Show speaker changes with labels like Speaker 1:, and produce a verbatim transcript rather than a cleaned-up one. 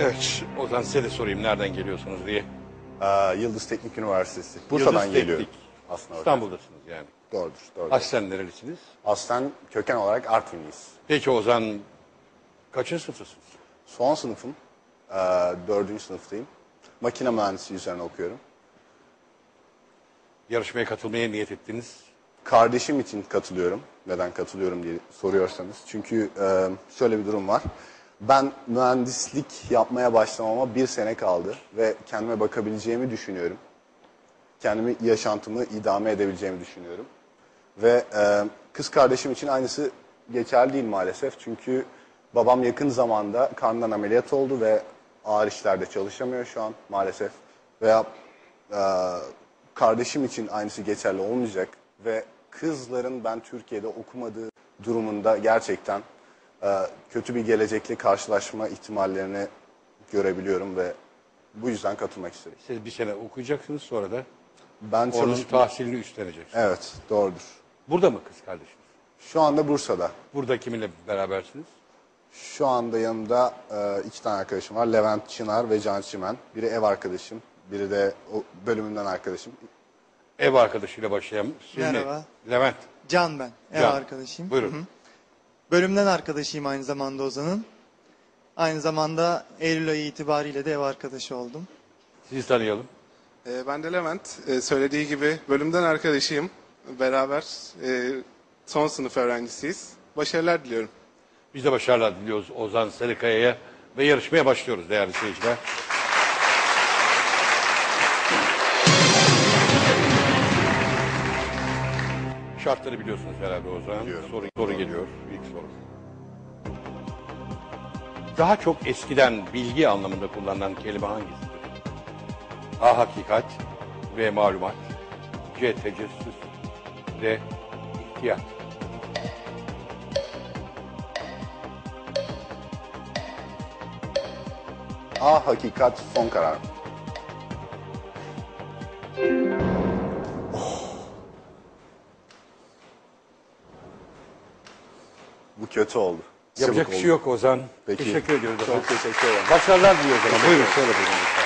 Speaker 1: Evet, Ozan size de sorayım nereden geliyorsunuz diye.
Speaker 2: Ee, Yıldız Teknik Üniversitesi. Bursa'dan
Speaker 1: Yıldız
Speaker 2: geliyorum.
Speaker 1: Teknik.
Speaker 2: Aslında hocam.
Speaker 1: İstanbul'dasınız yani.
Speaker 2: Doğrudur. doğrudur.
Speaker 1: Aslen nerelisiniz?
Speaker 2: Aslen köken olarak Artvinliyiz.
Speaker 1: Peki Ozan kaçıncı sınıftasınız?
Speaker 2: Son sınıfım. Ee, dördüncü sınıftayım. Makine mühendisliği üzerine okuyorum.
Speaker 1: Yarışmaya katılmaya niyet ettiniz.
Speaker 2: Kardeşim için katılıyorum. Neden katılıyorum diye soruyorsanız. Çünkü e, şöyle bir durum var. Ben mühendislik yapmaya başlamama bir sene kaldı. Ve kendime bakabileceğimi düşünüyorum. Kendimi, yaşantımı idame edebileceğimi düşünüyorum. Ve e, kız kardeşim için aynısı geçerli değil maalesef. Çünkü babam yakın zamanda karnından ameliyat oldu ve ağır işlerde çalışamıyor şu an maalesef. Veya e, kardeşim için aynısı geçerli olmayacak. Ve kızların ben Türkiye'de okumadığı durumunda gerçekten e, kötü bir gelecekle karşılaşma ihtimallerini görebiliyorum ve bu yüzden katılmak istedim.
Speaker 1: Siz bir sene okuyacaksınız, sonra da
Speaker 2: Ben
Speaker 1: onun
Speaker 2: çalış...
Speaker 1: tahsilini üstleneceksiniz.
Speaker 2: Evet, doğrudur.
Speaker 1: Burada mı kız kardeşiniz?
Speaker 2: Şu anda Bursa'da.
Speaker 1: Burada kiminle berabersiniz?
Speaker 2: Şu anda yanımda e, iki tane arkadaşım var. Levent Çınar ve Can Çimen. Biri ev arkadaşım, biri de o bölümümden arkadaşım.
Speaker 1: Ev arkadaşıyla başlayalım. Siz mi?
Speaker 3: Merhaba.
Speaker 1: Levent.
Speaker 3: Can ben, ev
Speaker 1: Can.
Speaker 3: arkadaşıyım.
Speaker 1: Buyurun.
Speaker 3: Hı hı. Bölümden arkadaşıyım aynı zamanda Ozan'ın. Aynı zamanda Eylül ayı itibariyle de ev arkadaşı oldum.
Speaker 1: Sizi tanıyalım.
Speaker 4: Ee, ben de Levent. Ee, söylediği gibi bölümden arkadaşıyım. Beraber e, son sınıf öğrencisiyiz. Başarılar diliyorum.
Speaker 1: Biz de başarılar diliyoruz Ozan Sarıkaya'ya ve yarışmaya başlıyoruz değerli seyirciler. Şartları biliyorsunuz herhalde Ozan.
Speaker 2: Biliyorum.
Speaker 1: Soru, soru geliyor. İlk soru. Daha çok eskiden bilgi anlamında kullanılan kelime hangisidir? A. Hakikat. B. Malumat. C. Tecessüs. D. İhtiyat.
Speaker 2: A. Hakikat son karar. Bu kötü oldu.
Speaker 1: Yapacak
Speaker 2: Çabuk
Speaker 1: bir şey
Speaker 2: oldu.
Speaker 1: yok Ozan.
Speaker 2: Peki.
Speaker 1: Teşekkür ediyoruz.
Speaker 2: Çok teşekkür ederim.
Speaker 1: Başarılar diliyoruz. Buyurun şöyle buyurun.